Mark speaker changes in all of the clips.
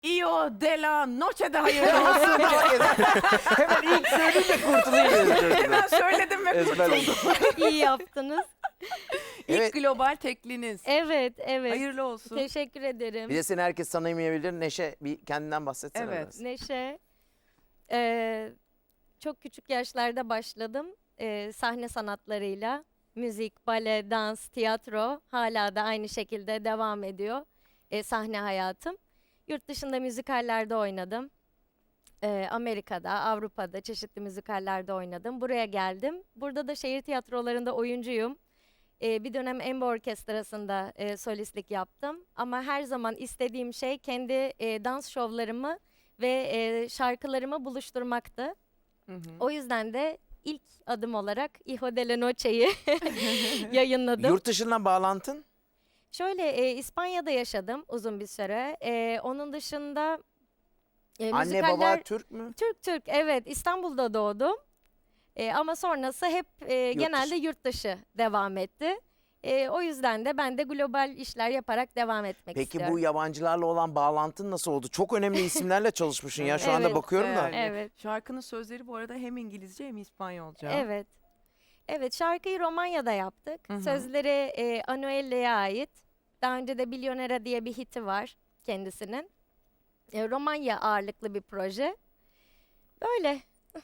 Speaker 1: Io della noche de hayırlı olsun.
Speaker 2: Hemen ilk söyleyeyim de kurtulayım.
Speaker 1: Hemen söyledim ve
Speaker 2: Ezber
Speaker 1: kurtuldum.
Speaker 3: İyi yaptınız.
Speaker 1: İlk
Speaker 2: Evet.
Speaker 1: global tekliniz.
Speaker 3: Evet, evet.
Speaker 1: Hayırlı olsun.
Speaker 3: Teşekkür ederim.
Speaker 2: Bir de seni herkes tanımayabilir. Neşe bir kendinden bahsetsene
Speaker 1: Evet.
Speaker 2: biraz.
Speaker 3: Neşe. Çok küçük yaşlarda başladım. Sahne sanatlarıyla. Müzik, bale, dans, tiyatro hala da aynı şekilde devam ediyor. Sahne hayatım. Yurt dışında müzikallerde oynadım. Amerika'da, Avrupa'da çeşitli müzikallerde oynadım. Buraya geldim. Burada da şehir tiyatrolarında oyuncuyum. Bir dönem Embo Orkestrası'nda solistlik yaptım. Ama her zaman istediğim şey kendi dans şovlarımı ve şarkılarımı buluşturmaktı.
Speaker 1: Hı hı.
Speaker 3: O yüzden de ilk adım olarak Hijo de la Noche'yi yayınladım.
Speaker 2: Yurt dışından bağlantın?
Speaker 3: Şöyle İspanya'da yaşadım uzun bir süre. Onun dışında
Speaker 2: Anne baba Türk mü?
Speaker 3: Türk evet, İstanbul'da doğdum. Ama sonrası hep genelde yurt dışı devam etti. O yüzden de ben de global işler yaparak devam etmek
Speaker 2: Peki
Speaker 3: istiyorum.
Speaker 2: bu yabancılarla olan bağlantın nasıl oldu? Çok önemli isimlerle çalışmışsın ya. Şu anda
Speaker 3: Evet,
Speaker 2: bakıyorum da.
Speaker 3: Evet.
Speaker 1: Şarkının sözleri bu arada hem İngilizce hem İspanyolca.
Speaker 3: Evet. Evet, şarkıyı Romanya'da yaptık.
Speaker 1: Hı hı.
Speaker 3: Sözleri Anuelle'ye ait. Daha önce de Bilyonera diye bir hiti var kendisinin. Romanya ağırlıklı bir proje. Böyle.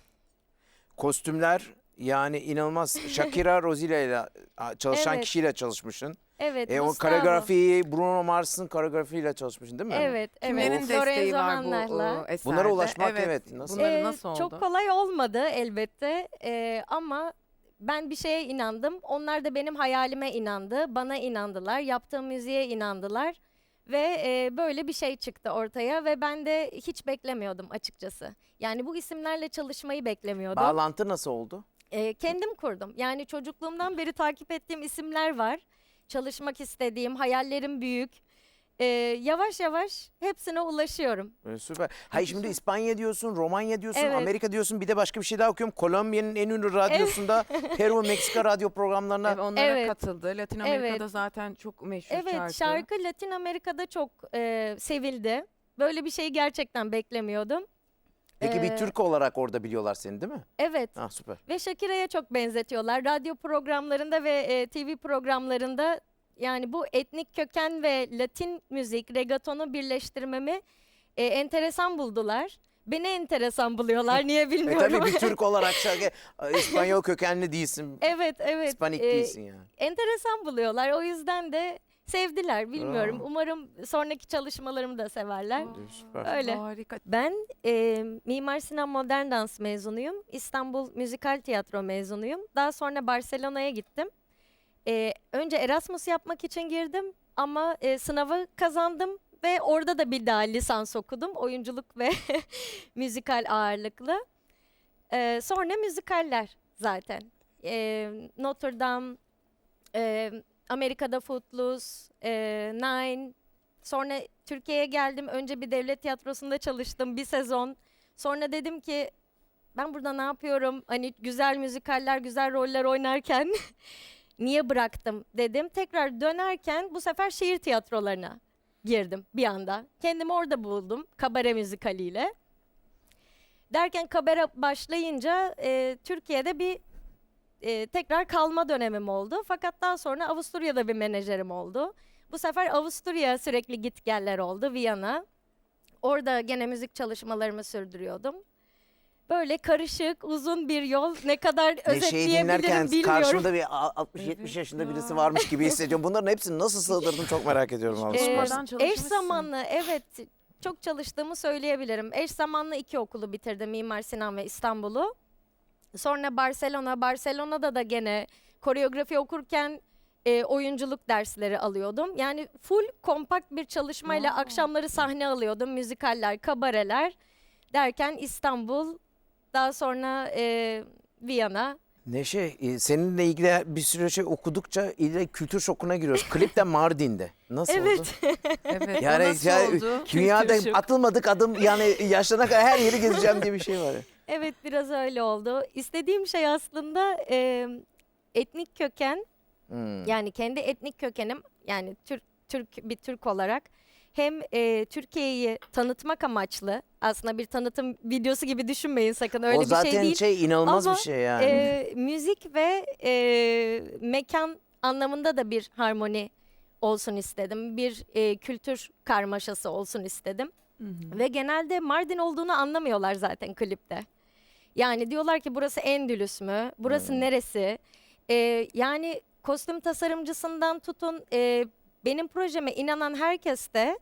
Speaker 2: Kostümler yani inanılmaz. Shakira Rosila ile çalışan
Speaker 3: Evet.
Speaker 2: kişiyle çalışmışsın.
Speaker 3: Evet,
Speaker 2: O
Speaker 3: Gustavo.
Speaker 2: koreografiyi Bruno Mars'ın koreografiyle çalışmışsın değil mi?
Speaker 3: Evet, evet.
Speaker 1: Kimlerin desteği
Speaker 3: Lorenzo
Speaker 1: var bu
Speaker 3: Hannah'la.
Speaker 1: eserde?
Speaker 2: Bunlara ulaşmak evet. Nasıl?
Speaker 1: Bunları nasıl oldu?
Speaker 3: Çok kolay olmadı elbette. Ama ben bir şeye inandım. Onlar da benim hayalime inandı. Bana inandılar. Yaptığım müziğe inandılar. Ve böyle bir şey çıktı ortaya ve ben de hiç beklemiyordum açıkçası. Yani bu isimlerle çalışmayı beklemiyordum.
Speaker 2: Bağlantı nasıl oldu?
Speaker 3: Kendim kurdum. Yani çocukluğumdan beri takip ettiğim isimler var. Çalışmak istediğim, hayallerim büyük. Yavaş yavaş hepsine ulaşıyorum.
Speaker 2: Süper. Hayır şimdi İspanya diyorsun, Romanya diyorsun,
Speaker 3: Evet.
Speaker 2: Amerika diyorsun. Bir de başka bir şey daha okuyorum. Kolombiya'nın en ünlü radyosunda Peru ve Meksika radyo programlarına.
Speaker 1: Evet, onlara
Speaker 3: Evet.
Speaker 1: katıldı. Latin Amerika'da
Speaker 3: Evet.
Speaker 1: zaten çok meşhur
Speaker 3: Evet, şarkı Latin Amerika'da çok sevildi. Böyle bir şeyi gerçekten beklemiyordum.
Speaker 2: Peki bir
Speaker 3: Ee,
Speaker 2: Türk olarak orada biliyorlar seni değil mi?
Speaker 3: Evet.
Speaker 2: Ah süper.
Speaker 3: Ve Shakira'ya çok benzetiyorlar. Radyo programlarında ve TV programlarında yani bu etnik köken ve Latin müzik, reggaetonu birleştirmemi enteresan buldular. Beni enteresan buluyorlar. Niye bilmiyorum.
Speaker 2: Tabii bir Türk olarak şarkı İspanyol kökenli değilsin.
Speaker 3: Evet, evet.
Speaker 2: İspanik değilsin yani.
Speaker 3: Enteresan buluyorlar. O yüzden de sevdiler. Bilmiyorum.
Speaker 2: Bravo.
Speaker 3: Umarım sonraki çalışmalarımı da severler.
Speaker 2: Süper.
Speaker 3: Öyle.
Speaker 1: Harika.
Speaker 3: Ben Mimar Sinan Modern Dans mezunuyum. İstanbul Müzikal Tiyatro mezunuyum. Daha sonra Barcelona'ya gittim. Önce Erasmus yapmak için girdim ama sınavı kazandım ve orada da bir daha lisans okudum. Oyunculuk ve müzikal ağırlıklı. Sonra müzikaller zaten. Notre Dame, Amerika'da Footloose, Nine. Sonra Türkiye'ye geldim. Önce bir devlet tiyatrosunda çalıştım bir sezon. Sonra dedim ki ben burada ne yapıyorum? Hani güzel müzikaller, güzel roller oynarken niye bıraktım dedim. Tekrar dönerken bu sefer şehir tiyatrolarına girdim bir anda. Kendimi orada buldum kabare müzikaliyle. Derken kabare başlayınca Türkiye'de bir tekrar kalma dönemim oldu. Fakat daha sonra Avusturya'da bir menajerim oldu. Bu sefer Avusturya sürekli gitgeller oldu, Viyana. Orada gene müzik çalışmalarımı sürdürüyordum. Böyle karışık, uzun bir yol. Ne kadar
Speaker 2: Neşe'yi
Speaker 3: özetleyebilirim
Speaker 2: dinlerken
Speaker 3: bilmiyorum.
Speaker 2: karşımda bir 60-70 yaşında birisi varmış gibi hissediyorum. Bunların hepsini nasıl sığdırdın çok merak ediyorum. vallahi.
Speaker 1: Ee,
Speaker 2: Süpersin.
Speaker 1: Oradan
Speaker 3: Eş
Speaker 1: çalışmışsın.
Speaker 3: zamanlı, evet, çok çalıştığımı söyleyebilirim. Eş zamanlı 2 okulu bitirdim, Mimar Sinan ve İstanbul'u. Sonra Barcelona'da da gene koreografi okurken oyunculuk dersleri alıyordum. Yani full kompakt bir çalışmayla
Speaker 1: Wow.
Speaker 3: akşamları sahne alıyordum. Müzikaller, kabareler derken İstanbul, daha sonra Viyana.
Speaker 2: Neşe seninle ilgili bir sürü şey okudukça ileri kültür şokuna giriyoruz. Klip de Mardin'de. Nasıl oldu?
Speaker 3: Evet.
Speaker 1: Evet.
Speaker 2: Yani
Speaker 1: o nasıl oldu?
Speaker 2: dünyada
Speaker 3: Kültür şok.
Speaker 2: atılmadık adım yani yaşlanana kadar her yeri gezeceğim diye bir şey var.
Speaker 3: Evet, biraz öyle oldu. İstediğim şey aslında etnik köken.
Speaker 2: Hmm.
Speaker 3: Yani kendi etnik kökenim, yani bir Türk olarak hem Türkiye'yi tanıtmak amaçlı, aslında bir tanıtım videosu gibi düşünmeyin sakın, öyle
Speaker 2: O
Speaker 3: bir
Speaker 2: zaten
Speaker 3: şey değil.
Speaker 2: inanılmaz
Speaker 3: Ama,
Speaker 2: bir şey yani.
Speaker 3: Müzik ve mekan anlamında da bir harmoni olsun istedim. Bir kültür karmaşası olsun istedim. Ve genelde Mardin olduğunu anlamıyorlar zaten klipte. Yani diyorlar ki burası Endülüs mü? Burası neresi? Yani kostüm tasarımcısından tutun benim projeme inanan herkes de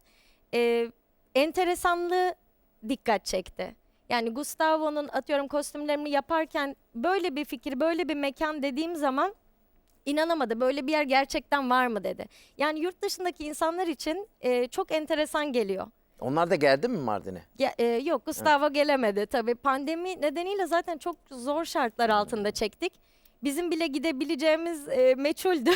Speaker 3: enteresanlığı dikkat çekti. Yani Gustavo'nun atıyorum kostümlerimi yaparken böyle bir fikir, böyle bir mekan dediğim zaman inanamadı. Böyle bir yer gerçekten var mı dedi. Yani yurt dışındaki insanlar için çok enteresan geliyor.
Speaker 2: Onlar da geldi mi Mardin'e?
Speaker 3: Yok, Gustavo gelemedi tabii. Pandemi nedeniyle zaten çok zor şartlar altında çektik. Bizim bile gidebileceğimiz meçhuldü.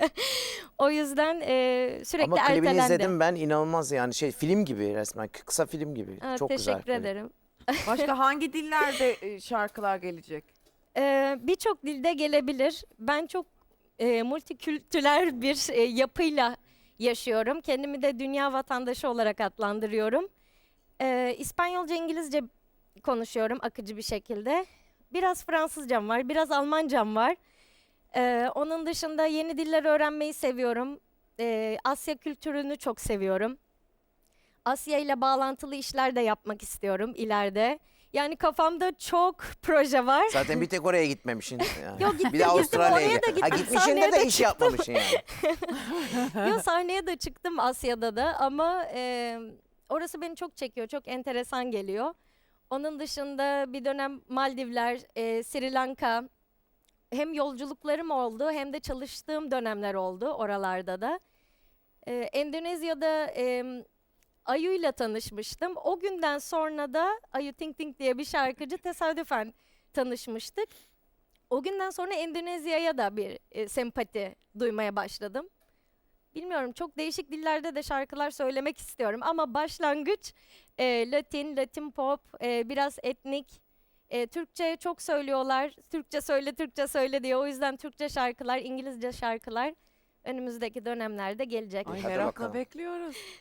Speaker 3: O yüzden sürekli
Speaker 2: Ama klibini
Speaker 3: ertelendi.
Speaker 2: izledim ben, inanılmaz yani, film gibi resmen, kısa film gibi. Çok güzel.
Speaker 3: Teşekkür
Speaker 2: klip.
Speaker 3: ederim.
Speaker 1: Başka hangi dillerde şarkılar gelecek?
Speaker 3: Birçok dilde gelebilir. Ben çok multikültürel bir yapıyla yaşıyorum. Kendimi de dünya vatandaşı olarak adlandırıyorum. İspanyolca, İngilizce konuşuyorum akıcı bir şekilde. Biraz Fransızcam var, biraz Almancam var. Onun dışında yeni diller öğrenmeyi seviyorum. Asya kültürünü çok seviyorum. Asya ile bağlantılı işler de yapmak istiyorum ileride. Yani kafamda çok proje var.
Speaker 2: Zaten bir tek oraya gitmemişsin. Yani.
Speaker 3: Yok, gittim,
Speaker 2: bir de
Speaker 3: gittim,
Speaker 2: Avustralya'ya
Speaker 3: oraya da
Speaker 2: git.
Speaker 3: gittim,
Speaker 2: Gitmişsin
Speaker 3: sahneye
Speaker 2: de
Speaker 3: de
Speaker 2: iş yapmamışsın yani.
Speaker 3: Yo, sahneye de çıktım Asya'da da ama orası beni çok çekiyor, çok enteresan geliyor. Onun dışında bir dönem Maldivler, Sri Lanka, hem yolculuklarım oldu hem de çalıştığım dönemler oldu oralarda da. Endonezya'da Ayu'yla tanışmıştım. O günden sonra da Ayu Ting Ting diye bir şarkıcı, tesadüfen tanışmıştık. O günden sonra Endonezya'ya da bir sempati duymaya başladım. Bilmiyorum, çok değişik dillerde de şarkılar söylemek istiyorum ama başlangıç Latin pop, biraz etnik. Türkçe çok söylüyorlar. Türkçe söyle diye. O yüzden Türkçe şarkılar, İngilizce şarkılar önümüzdeki dönemlerde gelecek.
Speaker 1: Ay
Speaker 2: Hadi
Speaker 1: merakla
Speaker 2: bakalım.
Speaker 1: bekliyoruz.